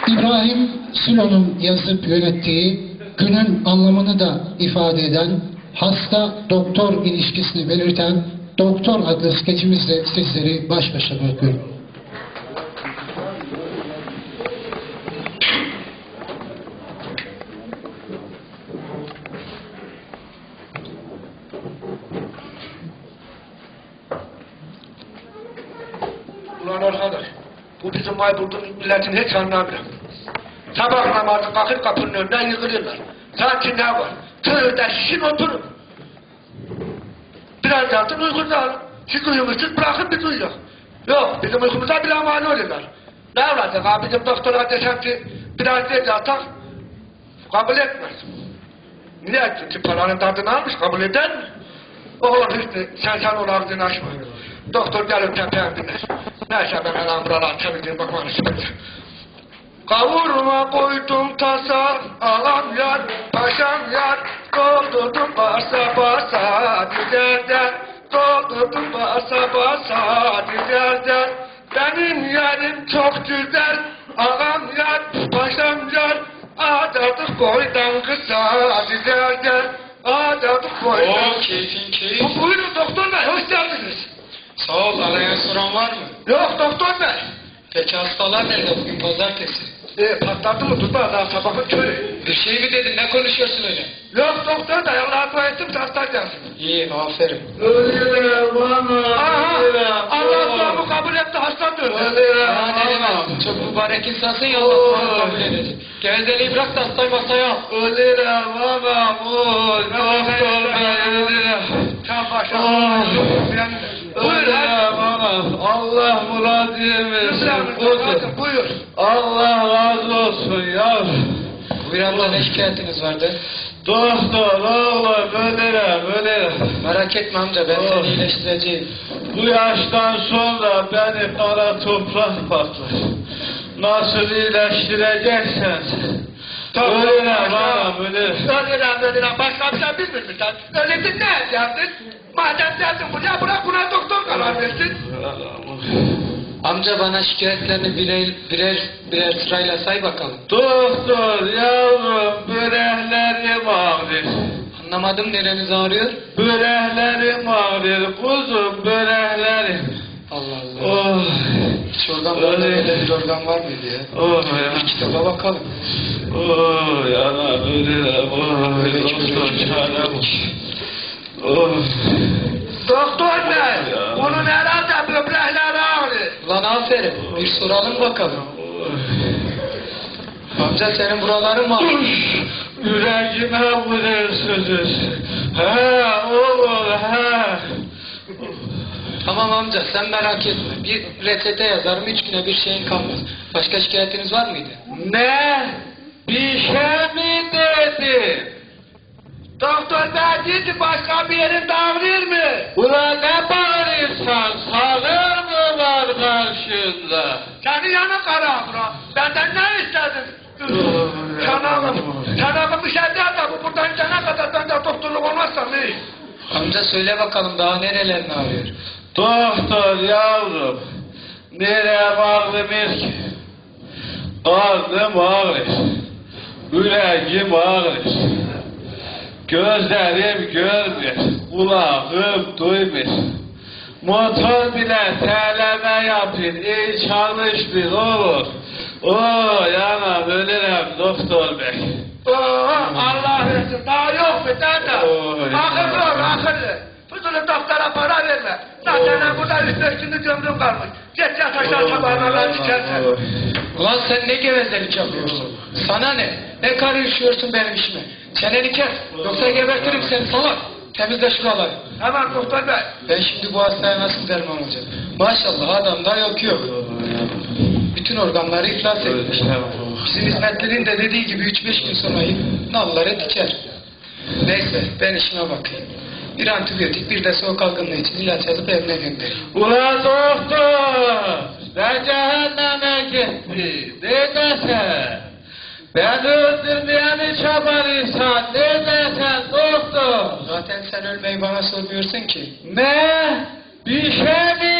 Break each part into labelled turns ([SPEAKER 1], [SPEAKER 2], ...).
[SPEAKER 1] İbrahim Sülo'nun yazıp yönettiği, günün anlamını da ifade eden, hasta-doktor ilişkisini belirten Doktor adlı skeçimizle sizleri baş başa bırakıyorum.
[SPEAKER 2] Ulan arkadaş, bu bizim Bayburt'un milletin hiç anlamıyor. Sabah namazı kalkıp kapının önünden yıkılırlar. Sanki ne var? Tığda şişin oturun. Biraz yatın uykunuzu alın. Siz uyumuşsunuz bırakın biz uyuyalım. Yok, bizim uykumuza bile mani oluyorlar. Ne olacak abi, bizim doktora desem ki biraz değil yatak, kabul etmez. Niye? Çünkü paranın tadını almış, kabul eder mi? Oğlum işte sen onun ağzını açma. Doktor gelip tepeye biner. Neyse ben hemen buralar çevirdiğim bakmanı istedim. Kavurma koydum tasa, ağam yar, paşam yar, doldurdum basa basa dizerden, doldurdum basa basa dizerden. Benim yerim çok güzel, ağam yar, paşam yar, adadık boydan kısa dizerden, adadık boydan.
[SPEAKER 3] Oo, keyfin.
[SPEAKER 2] Buyurun doktor bey, hoş geldiniz.
[SPEAKER 3] Sağ ol, arayan soran var mı?
[SPEAKER 2] Yok doktor bey.
[SPEAKER 3] Peki hastalar nerede bugün pazartesi?
[SPEAKER 2] Patladı mı tutma daha sabahın körü.
[SPEAKER 3] Bir şey mi dedin, ne konuşuyorsun öyle?
[SPEAKER 2] Yok doktor da Allah'a dua ettim hasta gelsin.
[SPEAKER 3] İyi, aferin.
[SPEAKER 4] Ölüyorum bana.
[SPEAKER 2] Aha, Allah duamı kabul etti hasta döndü.
[SPEAKER 3] Ya ne demezsin, çok mübarek insansın ya Allah duanı kabul edecek. Gevezeliği bırak da hastayı masaya al.
[SPEAKER 4] Ölüyorum bana. Doktor bey ölüyorum.
[SPEAKER 2] Sen başa.
[SPEAKER 4] Ölüyorum bana. Allah muradını versin.
[SPEAKER 2] Buyur.
[SPEAKER 4] Allah razı olsun ya.
[SPEAKER 3] Buyur abla, ne şikayetiniz vardı?
[SPEAKER 4] Doktor oğlum ölüyorum.
[SPEAKER 3] Merak etme amca, ben seni iyileştireceğim.
[SPEAKER 4] Bu yaştan sonra beni kara toprak patlar. Nasıl iyileştireceksen ölüyorum anam ölüyorum.
[SPEAKER 2] Ölüyorum. Başka bir şey bilmiyor musun sen? Öldün ne edeceksin? Madem geldin buraya bırak buna doktor karar versin.
[SPEAKER 3] Amca bana şikayetlerini birer sırayla say bakalım.
[SPEAKER 4] Doktor yavrum böreklerim ağrır.
[SPEAKER 3] Anlamadım, nereniz ağrıyor?
[SPEAKER 4] Böreklerim ağrır kuzum böreklerim.
[SPEAKER 3] Allah Allah.
[SPEAKER 4] Oh.
[SPEAKER 3] Hiç organlarda böyle bir organ var mıydı ya?
[SPEAKER 4] Oh ya.
[SPEAKER 3] Bir kitaba bakalım.
[SPEAKER 4] Oh yana ölürüm. Oh doktor çarem. Oh.
[SPEAKER 2] Doktor bey, onun herhalde böbrekleri ağrıyor.
[SPEAKER 3] Ulan aferin, bir soralım bakalım. Amca senin buraların mı?
[SPEAKER 4] Yüreğime vuruyorsunuz. He oğlum he.
[SPEAKER 3] Tamam amca, sen merak etme. Bir reçete yazarım, 3 güne bir şeyin kalmaz. Başka şikayetiniz var mıydı?
[SPEAKER 4] Ne? Bir şey mi dedin?
[SPEAKER 2] Doktor bey dedi başka bir yerin ağrıyor mu?
[SPEAKER 4] Ulan ne bağırırsan sağır mı var karşında?
[SPEAKER 2] Senin yanın kara bura. Benden ne istedin? Çanağım bir şey değil de bu buradan gidene kadar ben de doktorluk olmazsam iyi.
[SPEAKER 3] Amca söyle bakalım, daha nerelerin ağrıyor?
[SPEAKER 4] Doktor yavrum, nereye ağrımır ki? Karnım ağrır, yüreğim ağrır, gözlerim görmür, kulağım duymur. Motor bile terleme yapır, iyi çalışmıyor olur. Oo yanam ölürüm doktor bey.
[SPEAKER 2] Allah versin daha yok mu dede? Akıllı ol akıllı. Fuzulu doktora para verme. Zaten burada üstüne gömrüm kalmış. Geç yat aşağı sabahına çıkarsan.
[SPEAKER 3] Ulan sen ne gevezelik yapıyorsun? Sana ne? Ne karışıyorsun benim işime? Çeneni kes, yoksa gebertirim seni salak. Temizle şuraları.
[SPEAKER 2] Hemen doktor bey.
[SPEAKER 3] Ben şimdi bu hastaya nasıl derman olacağım? Maşallah adamda yok. Bütün organları iflas etmiş. Bizim hizmetlerin de dediği gibi 3-5 gün sonra nalları diker. Neyse ben işime bakayım. Bir antibiyotik bir de soğuk algınlığı için ilaç yazıp evine göndereyim.
[SPEAKER 4] Ulan doktor! Ben cehenneme gitti. Neredesin? Ben öldürmeyeni çaban insan. Neredesin doktor?
[SPEAKER 3] Zaten sen ölmeyi bana sormuyorsun ki.
[SPEAKER 4] Ne? Bir şey mi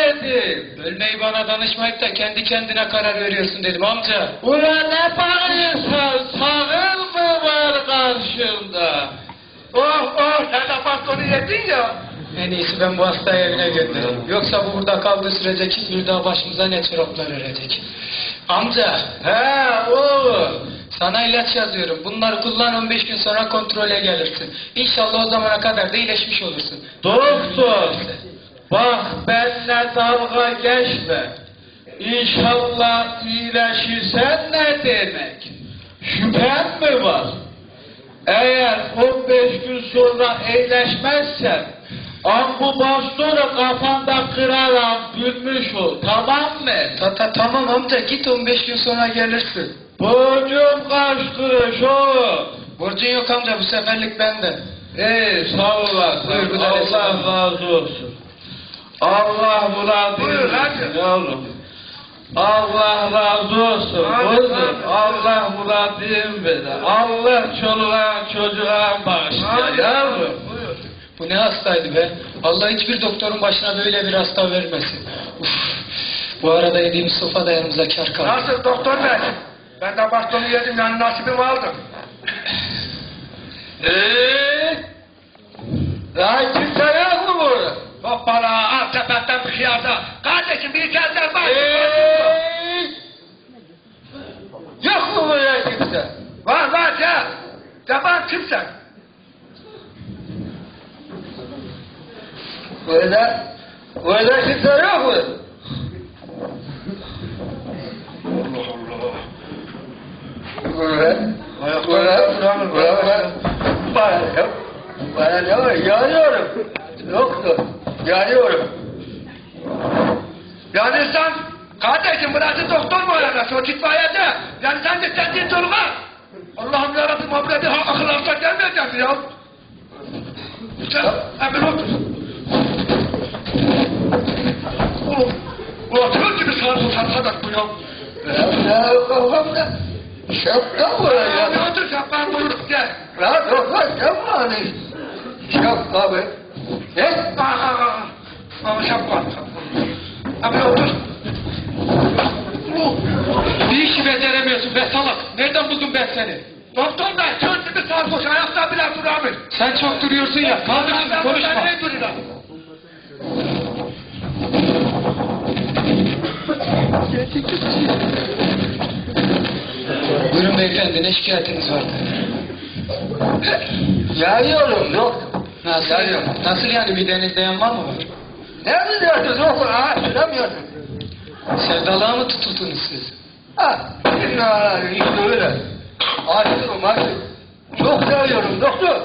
[SPEAKER 4] dedim.
[SPEAKER 3] Ölmeyi bana danışmayıp da kendi kendine karar veriyorsun dedim amca.
[SPEAKER 4] Ulan ne bağırıyorsun? Sağır mı var karşında?
[SPEAKER 2] Oh sen de bastonu yedin ya.
[SPEAKER 3] En iyisi ben bu hastayı evine göndereyim. Yoksa bu burada kaldığı sürece kim bilir daha başımıza ne çoraplar örecek. Amca.
[SPEAKER 4] He oğlum.
[SPEAKER 3] Sana ilaç yazıyorum. Bunları kullan 15 gün sonra kontrole gelirsin. İnşallah o zamana kadar da iyileşmiş olursun.
[SPEAKER 4] Doktor. Bak benimle dalga geçme. İnşallah iyileşirsen ne demek? Şüphen mi var? Eğer 15 gün sonra iyileşmezsen bu bastonu kafanda kırarak gülmüş ol, tamam mı?
[SPEAKER 3] Tamam amca git 15 gün sonra gelirsin.
[SPEAKER 4] Borcum kaç kuruş oğlum?
[SPEAKER 3] Borcun yok amca bu seferlik bende.
[SPEAKER 4] Sağ olasın.
[SPEAKER 3] Buyur, bu da
[SPEAKER 4] Allah
[SPEAKER 3] hesabı.
[SPEAKER 4] razı olsun. Allah
[SPEAKER 2] Buyur,
[SPEAKER 4] muradını
[SPEAKER 2] hadi.
[SPEAKER 4] yavrum. Allah razı olsun.
[SPEAKER 2] Hadi,
[SPEAKER 4] Kızım,
[SPEAKER 2] hadi.
[SPEAKER 4] Allah muradını verir. Allah çoluğa çocuğa bağışlar yavrum.
[SPEAKER 2] Buyur.
[SPEAKER 3] Bu ne hastaydı be? Allah hiçbir doktorun başına böyle bir hasta vermesin. Uf. Bu arada yediğimiz sofa da yanımıza kar kaldı.
[SPEAKER 2] Nasıl doktor bey? Ben de bastonu yedim yani nasibimi aldım.
[SPEAKER 4] Daha kimse yok mu burada?
[SPEAKER 2] Hoppala al sepetten bir şey alsa. Kardeşim bir kezder var.
[SPEAKER 4] Yok mu burada kimse?
[SPEAKER 2] Var ya. Yaban kimsen?
[SPEAKER 4] Burada kimse yok mu?
[SPEAKER 2] Yanıyorum. Yoktu. Yanıyorum. Yani sen kardeşim burası doktor mu ararası o itfaiyede? Yani sen de kendin durma. Allah'ım yarabbim abla bir akıl alsa gelmeyecek mi ya? Sen hemen otur. Oturur gibi sarı sarsadak bu ya.
[SPEAKER 5] Ya kafamda şapka var ya.
[SPEAKER 2] Ya otur şapkan buyuruk gel.
[SPEAKER 5] Ya doktor şapka hani. Şapka be. Ne?
[SPEAKER 2] Ama şapkan. Hemen otur.
[SPEAKER 3] Bir işi beceremiyorsun be salak. Nereden buldum ben seni?
[SPEAKER 2] Doktor bey çöz gibi sarhoş ayakta bile duramıyor.
[SPEAKER 3] Sen çok duruyorsun ya. Kaldır şimdi konuşma.
[SPEAKER 2] Ne duruyor?
[SPEAKER 3] Buyurun beyefendi ne şikayetiniz vardı?
[SPEAKER 5] Yanıyorum doktor.
[SPEAKER 3] Nasıl, nasıl yani midenizde yanma mı var?
[SPEAKER 5] Ne biliyorsun doktor? Ha söylemiyorsun.
[SPEAKER 3] Sevdalığa mı tutuldunuz siz?
[SPEAKER 5] Ha işte öyle. Aşığım aşığım. Çok seviyorum doktor.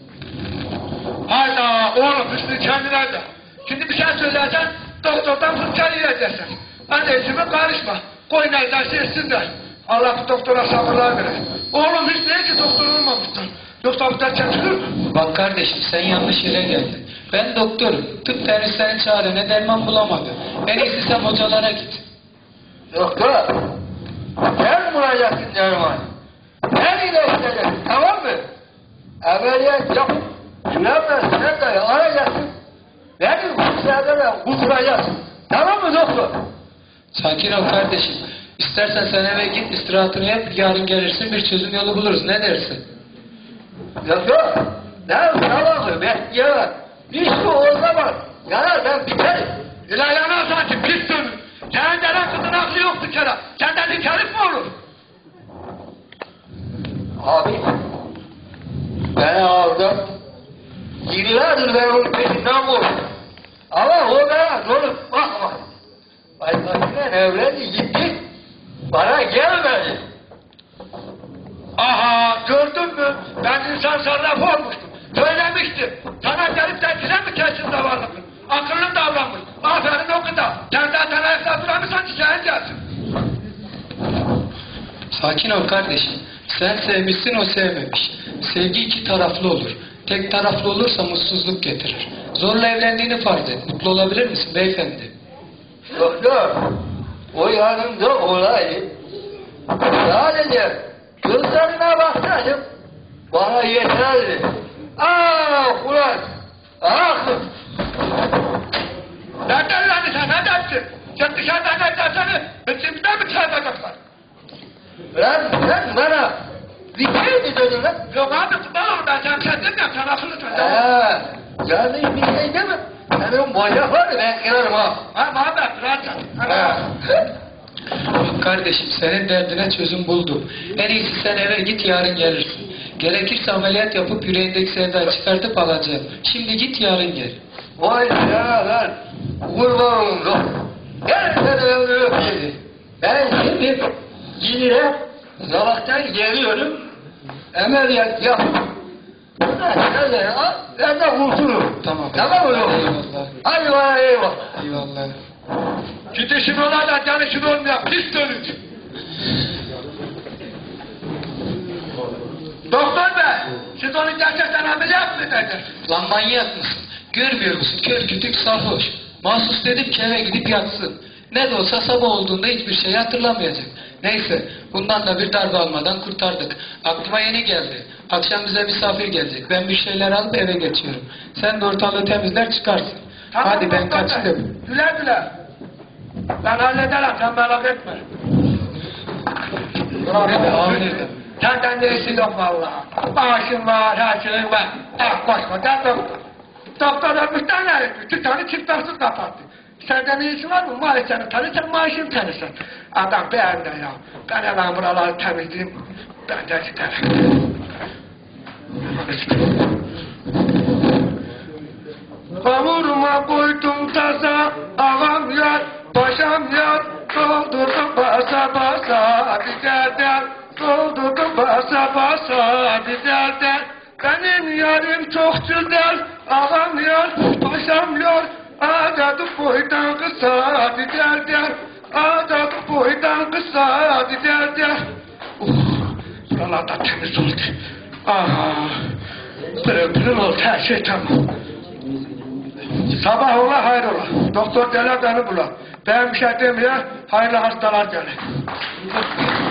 [SPEAKER 2] Hayda oğlum Hüsnü kendine de. Şimdi bir şey söylersen doktordan fırça yiyeceksin. Anneciğime karışma. Koy neydeyse etsinler. Allah bu doktora sabırlar verir. Oğlum Hüsnü'ye ki doktor olmamıştır. Yoksa bu da çekilir mi?
[SPEAKER 3] Bak kardeşim sen yanlış yere geldin. Ben doktorum. Tıp tenislerin çarene derman bulamadı. En iyisi sen hocalara git.
[SPEAKER 5] Doktor. Sen bulacaksın derman. Sen iyileştireceksin tamam mı? Ameliyat yapıp süremezsin de arayacaksın. Beni kusura kusuracaksın. Tamam mı doktor?
[SPEAKER 3] Sakin ol kardeşim. İstersen sen eve git istirahatını yap. Yarın gelirsin bir çözüm yolu buluruz. Ne dersin?
[SPEAKER 5] Doktor. Ne sabahı bekleyemem. Bir şey o zaman. Yanar ben biterim.
[SPEAKER 2] İlahi sanki pis dönür. Senin denen kızın aklı yok bir kere. Senden bir herif mi olur?
[SPEAKER 5] Abi. Ben aldım. Yıllardır ben onun peşinden koştum. Ama o bana dönüp bakma. Başkasıyla evlendi gitti. Bana gelmedi.
[SPEAKER 2] Aha gördün mü? Ben insan sarrafı olmuştum. Söylemiştim. Sana gelip de kire mi kesin davarlıkın? Akıllın davranmış. Aferin o kadar. Sen zaten ayakta duramıyorsan çiçeğin gelsin.
[SPEAKER 3] Sakin ol kardeşim. Sen sevmişsin o sevmemiş. Sevgi iki taraflı olur. Tek taraflı olursa mutsuzluk getirir. Zorla evlendiğini farz et. Mutlu olabilir misin beyefendi?
[SPEAKER 5] Doktor. O yanımda olaydı. Sadece gözlerine baksaydım bana yeterdi. Ah ulan! Ah!
[SPEAKER 2] Nereden lan sen? Nereden Sen dışarıdan ne derseni, bizimden mi çağıracaklar?
[SPEAKER 5] Lan bana bir şey mi dedin lan?
[SPEAKER 2] Yok abi tutalım ben sen kendin yap, sen akıllı çocuk.
[SPEAKER 5] Yani bir şey deme. Senin boya var ben kırarım ha.
[SPEAKER 2] Ha Muhammed, rahat yat.
[SPEAKER 3] Bak kardeşim senin derdine çözüm buldum. En iyisi sen eve git yarın gelirsin. Gerekirse ameliyat yapıp yüreğindeki sevdayı çıkartıp alacağım. Şimdi git yarın gel.
[SPEAKER 5] Vay ya lan. Kurban oldum. Gel sen öldürüp seni. Ben şimdi gidire sabahtan geliyorum. Ameliyat yapıp nerede al? Ben de kurtulurum.
[SPEAKER 3] Tamam.
[SPEAKER 5] Tamam mı oğlum?
[SPEAKER 3] Eyvallah.
[SPEAKER 5] Hadi bana eyvallah.
[SPEAKER 3] Eyvallah.
[SPEAKER 2] Gidişin ola da canışın olmayan pis dönücü. Doktor bey, siz onu gerçekten ameliyat mı edeceksiniz?
[SPEAKER 3] Lan manyak mısın? Görmüyor musun? Kör kütük sarhoş. Mahsus dedim ki eve gidip yatsın. Ne de olsa sabah olduğunda hiçbir şey hatırlamayacak. Neyse, bundan da bir darbe almadan kurtardık. Aklıma yeni geldi. Akşam bize misafir gelecek. Ben bir şeyler alıp eve geçiyorum. Sen de ortalığı temizler çıkarsın.
[SPEAKER 2] Tamam,
[SPEAKER 3] Hadi ben
[SPEAKER 2] doktor bey.
[SPEAKER 3] kaçtım.
[SPEAKER 2] Güle güle. Ben hallederim, sen merak etme.
[SPEAKER 3] Nerede? Nerede?
[SPEAKER 2] Senden de işin yok vallahi. Maaşın var, her şeyin var. Koskoca doktor. Doktor ömürden ne? 2 tane çift taksız kapattı. Senden iyisi var mı? Maaşını tanırsan maaşını tanırsın. Adam beğendi ya. Ben hemen buraları temizleyeyim. Ben de giderim. Kavurma koydum taza, ağam yar, paşam yar, doldurdum basa basa, dizerden, doldurdum basa basa, dizerden. Benim yarim çok güzel, ağam yar, paşam yar, acadı boydan kısa, dizerden, acadı boydan kısa, dizerden. Buralarda temiz oldu. Aha, pırıl pırıl oldu, her şey tamam. Sabah ola hayrola. Doktor gelir beni bular. Ben bir şey demiyor, hayırlı hastalar gelir.